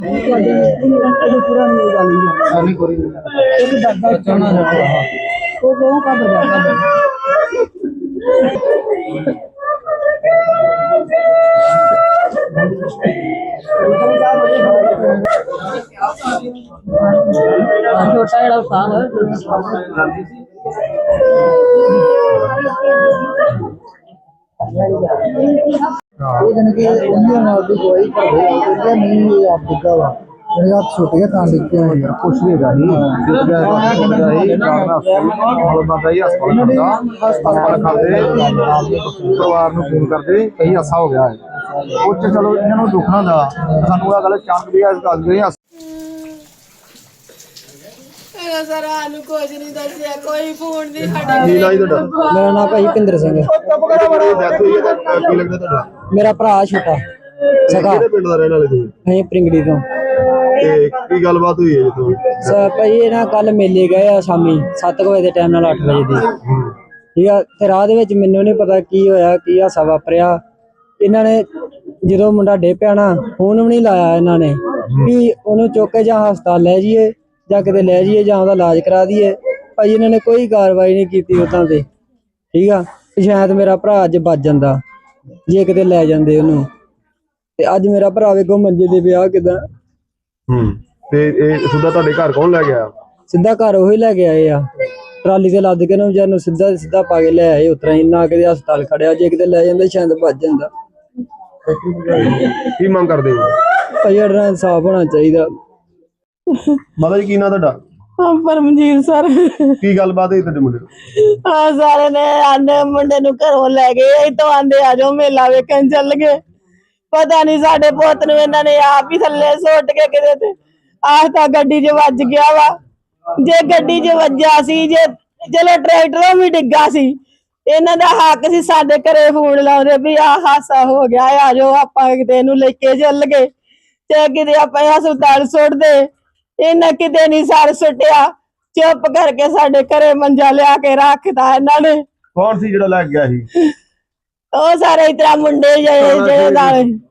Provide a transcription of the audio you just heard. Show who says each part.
Speaker 1: पूरा नहीं होगा नहीं कोई एक डब्बा चना जाता वो कौन का बजा छोटा जड़ा साल नहीं आप दिखा हुआ मेरे आप छोटे ਤਾਂ ਲਿਖੇ ਹੋਏ ਯਾਰ ਕੁਛ ਵੀ ਹੈਗਾ ਨਹੀਂ ਹਸਪਤਾਲ ਕਰਦੇ ਪਰਿਵਾਰ ਨੂੰ ਫੋਨ ਕਰਦੇ ਕਈ ਹਾਸਾ ਹੋ ਗਿਆ ਹੈ ਉਹ ਚ ਚਲੋ ਇਹਨਾਂ ਨੂੰ ਦੁੱਖਣਾ ਦਾ ਸਾਨੂੰ ਇਹ ਗੱਲ ਚਾਂਕ ਵੀ ਇਸ ਗੱਲ ਦੇ
Speaker 2: ਸਰਾਂ ਨੂੰ ਕੁਝ ਨਹੀਂ ਦੱਸਿਆ ਕੋਈ ਫੋਨ ਨਹੀਂ ਸਾਡਾ
Speaker 1: ਮੇਰਾ ਨਾਮ ਭਾਈ ਭਿੰਦਰ ਸਿੰਘ ਮੇਰਾ ਭਰਾ ਛੋਟਾ ਸਗਾ
Speaker 3: ਪਿੰਡ ਦਾ ਰਹਿਣ ਵਾਲੇ ਤੁਸੀਂ
Speaker 1: ਅਸੀਂ ਪ੍ਰਿੰਗੜੀ ਤੋਂ
Speaker 3: ਤੇ ਕੀ ਗੱਲਬਾਤ ਹੋਈ ਹੈ ਜੀ
Speaker 1: ਭਾਈ ਇਹ ਨਾ ਕੱਲ ਮੇਲੇ ਗਏ ਆ ਸ਼ਾਮੀ 7 ਵਜੇ ਦੇ ਟਾਈਮ ਨਾਲ 8 ਵਜੇ ਦੀ ਠੀਕ ਆ ਤੇ ਰਾਹ ਦੇ ਵਿੱਚ ਮੈਨੂੰ ਨਹੀਂ ਪਤਾ ਕੀ ਹੋਇਆ ਕੀ ਹਾਸਾ ਵਾਪਰਿਆ ਇਹਨਾਂ ਨੇ ਜਦੋਂ ਮੁੰਡਾ ਡੇ ਪਿਆ ਨਾ ਫੋਨ ਵੀ ਨਹੀਂ ਲਾਇਆ ਇਹਨਾਂ ਨੇ ਵੀ ਉਹਨੂੰ ਚੁੱਕ ਕੇ ਜਾਂ ਹਸਪਤਾਲ ਲੈ ਜਾਈਏ ਜਾਂ ਕਿਤੇ ਲੈ ਜਾਈਏ ਜਾਂ ਉਹਦਾ ਇਲਾਜ ਕਰਾ ਦਈਏ ਭਾਈ ਇਹਨਾਂ ਨੇ ਕੋਈ ਕਾਰਵਾਈ ਨਹੀਂ ਕੀਤੀ ਉਦਾਂ ਤੇ ਠੀਕ ਆ ਸ਼ਾਇਦ ਮੇਰਾ ਭਰਾ ਅੱਜ ਬਚ ਜਾਂਦਾ ਜੇ ਕਿਤੇ ਲੈ ਜਾਂਦੇ ਉਹਨੂੰ ਤੇ ਅੱਜ ਮੇਰਾ ਭਰਾ ਵੇਖੋ ਮੰਜੇ ਦੇ ਵਿਆਹ ਕਿਦਾਂ
Speaker 3: ਤੇ ਇਹ ਸਿੱਧਾ ਤੁਹਾਡੇ ਘਰ ਕੌਣ ਲੈ ਗਿਆ
Speaker 1: ਸਿੱਧਾ ਘਰ ਉਹੀ ਲੈ ਕੇ ਆਏ ਆ ਟਰਾਲੀ ਤੇ ਲੱਦ ਕੇ ਨਾ ਨੂੰ ਸਿੱਧਾ ਪਾ ਕੇ ਲੈ ਆਏ ਉਤਰਾ ਇੰਨਾ ਕਿਤੇ ਹਸਪਤਾਲ ਖੜਿਆ ਜੇ ਕਿਤੇ ਲੈ ਜਾਂਦੇ ਸ਼ਾਇਦ ਬਚ ਜਾਂਦਾ
Speaker 3: ਕੀ ਮੰਗ ਕਰਦੇ ਹੋ
Speaker 1: ਭਾਈ ਸਾਡਾ ਇਨਸਾਫ ਹੋਣਾ ਚਾਹੀਦਾ
Speaker 3: ਮਾਤਾ ਜੀ ਕੀ ਨਾਂ ਤੁਹਾਡਾ
Speaker 2: ਪਰਮਜੀਤ ਸਰ
Speaker 3: ਕੀ ਗੱਲਬਾਤ ਹੈ ਤੁਹਾਡੇ ਮੁੰਡੇ
Speaker 2: ਹਾਂ ਸਾਰੇ ਨੇ ਆਂਦੇ ਮੁੰਡੇ ਨੂੰ ਘਰੋਂ ਲੈ ਗਏ ਇਤੋਂ ਆਂਦੇ ਆ ਜਾਓ ਮੇਲਾ ਵੇਖਣ ਚੱਲ ਗਏ ਪਤਾ ਨਹੀਂ ਸਾਡੇ ਪੁੱਤ ਨੂੰ ਇਹਨਾਂ ਨੇ ਆਪ ਹੀ ਥੱਲੇ ਸੁੱਟ ਕੇ ਕਿਤੇ ਤੇ ਆਹ ਤਾਂ ਗੱਡੀ 'ਚ ਵੱਜ ਗਿਆ ਵਾ ਜੇ ਗੱਡੀ 'ਚ ਵੱਜਿਆ ਸੀ ਜੇ ਚਲੋ ਟਰੈਕਟਰੋਂ ਵੀ ਡਿੱਗਾ ਸੀ ਇਹਨਾਂ ਦਾ ਹੱਕ ਸੀ ਸਾਡੇ ਘਰੇ ਫੋਨ ਲਾਉਂਦੇ ਵੀ ਆਹ ਹਾਸਾ ਹੋ ਗਿਆ ਆ ਜਾਓ ਆਪਾਂ ਕਿਤੇ ਇਹਨੂੰ ਲੈ ਕੇ ਚੱਲ ਗਏ ਤੇ ਕਿਤੇ ਆਪਾਂ ਹਸਪਤਾਲ ਸੁੱਟਦੇ ਇਹਨਾਂ ਕਿਤੇ ਨਹੀਂ ਸਰ ਸੁੱਟਿਆ ਚੁੱਪ ਕਰਕੇ ਸਾਡੇ ਘਰੇ ਮੰਜਾ ਲਿਆ ਕੇ ਰੱਖਦਾ ਇਹਨਾਂ ਨੇ
Speaker 3: ਕੌਣ ਸੀ ਜਿਹੜਾ ਲੈ ਗਿਆ ਸੀ
Speaker 2: ਉਹ ਸਾਰੇ ਇਤਰਾ ਮੁੰਡੇ ਜਿਹੜੇ ਨਾਲ